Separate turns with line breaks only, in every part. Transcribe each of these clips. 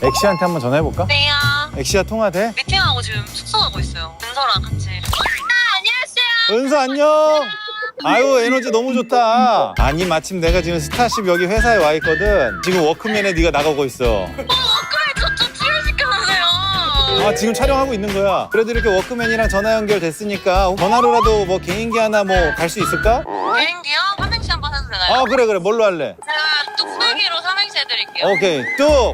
엑시한테 한번 전화해볼까?
네요.
엑시야 통화돼?
미팅하고 지금 숙소 가고 있어요. 은서랑 같이. 안녕하세요.
은서 안녕. 아유 에너지 너무 좋다. 아니 마침 내가 지금 스타쉽 여기 회사에 와 있거든. 지금 워크맨에 네가 나가고 있어.
그래 저좀 출연시켜주세요.
아 지금 촬영하고 있는 거야. 그래도 이렇게 워크맨이랑 전화 연결됐으니까 전화로라도 뭐 개인기 하나 뭐 갈 수 있을까?
비행기요? 삼행시 한번 해도 되나요?
아 그래 뭘로 할래?
제가 뚝배기로 삼행시 해드릴게요.
오케이 뚝.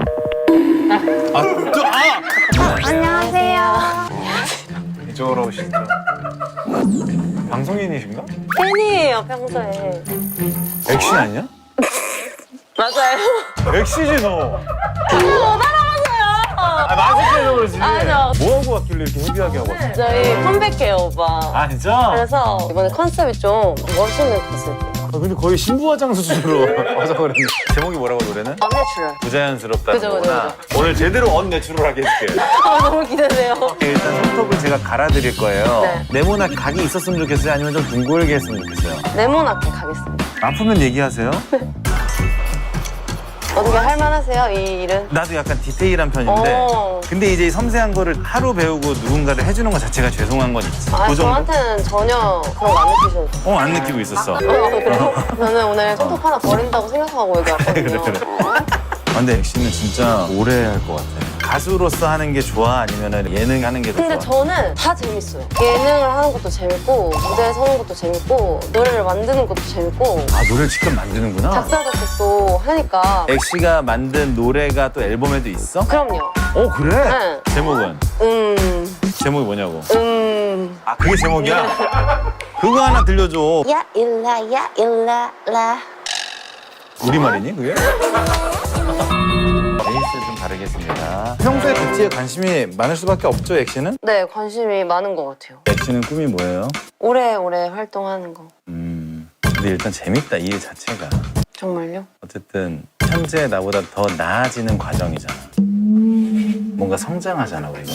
뚝.
안녕하세요.
이쪽으로 오시죠. 방송인이신가?
팬이에요, 평소에.
엑시 아니야?
맞아요.
엑시지 너.
못 알아봤어요.
아 마스크해서 그러지.
맞아.
뭐 하고 왔길래 이렇게 헤비하게 하고 왔어?
저희 컴백해요, 오빠.
아 진짜?
그래서 이번에 컨셉이 좀 멋있는 컨셉이에요.
근데 거의 신부화장 수준으로 와서 그랬네. 제목이 뭐라고 노래는?
언내추럴.
부자연스럽다는
그죠,
거구나.
그죠,
오늘 제대로 언내추럴하게 해줄게.
너무 기대돼요.
일단 손톱을 제가 갈아드릴 거예요.
네.
네모나게 각이 있었으면 좋겠어요? 아니면 좀 둥글게 했으면 좋겠어요?
네모나게 가겠습니다.
아프면 얘기하세요.
어떻게 할만하세요, 이 일은?
나도 약간 디테일한 편인데
어.
근데 이제 섬세한 거를 하루 배우고 누군가를 해주는 것 자체가 죄송한 건 있지.
아,
그 정도?
저한테는 전혀 그런 거 안 느끼셔도 돼요.
안 느끼고 있었어.
그래요? 저는 오늘 손톱 하나 버린다고 생각하고 여기 왔거든요.
그래. 아, 근데 엑시는 진짜 오래 할 것 같아. 가수로서 하는 게 좋아? 아니면 예능 하는 게 더 좋아?
근데 저는 다 재밌어요. 예능을 하는 것도 재밌고, 무대에 서는 것도 재밌고, 노래를 만드는 것도 재밌고,
아 노래를 직접 만드는구나.
작사, 작곡도 하니까.
엑시가 만든 노래가 또 앨범에도 있어?
그럼요.
그래?
네.
제목은? 제목이 뭐냐고? 아 그게 제목이야? 그거 하나 들려줘.
야, 일라, 야, 일라, 라.
우리말이니 그게? 베이스 좀 다르겠습니다. 평소에 뷰티에 관심이 많을 수밖에 없죠, 엑시는?
네, 관심이 많은 것 같아요.
엑시는 꿈이 뭐예요?
오래오래 활동하는 거.
근데 일단 재밌다, 이 일 자체가.
정말요?
어쨌든 현재 나보다 더 나아지는 과정이잖아. 뭔가 성장하잖아, 우리가.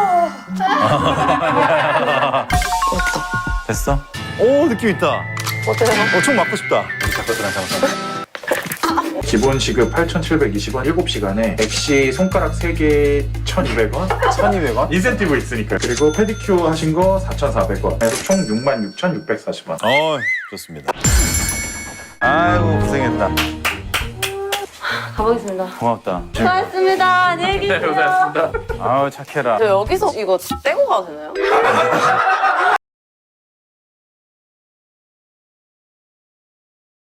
어떠?
됐어? 오, 느낌 있다.
어때요?
총 맞고 싶다. 잠깐만, 잠깐만.
기본 시급 8,720원 7시간에 엑시 손가락 3개 1,200원
1,200원?
인센티브 있으니까 그리고 페디큐어 하신 거 4,400원 그래서 총 66,640원
좋습니다. 아이고, 고생했다.
가보겠습니다.
고맙다.
수고하셨습니다. 안녕히 계세요.
고생하셨습니다.
아우, 착해라.
저 여기서 이거 떼고 가도 되나요?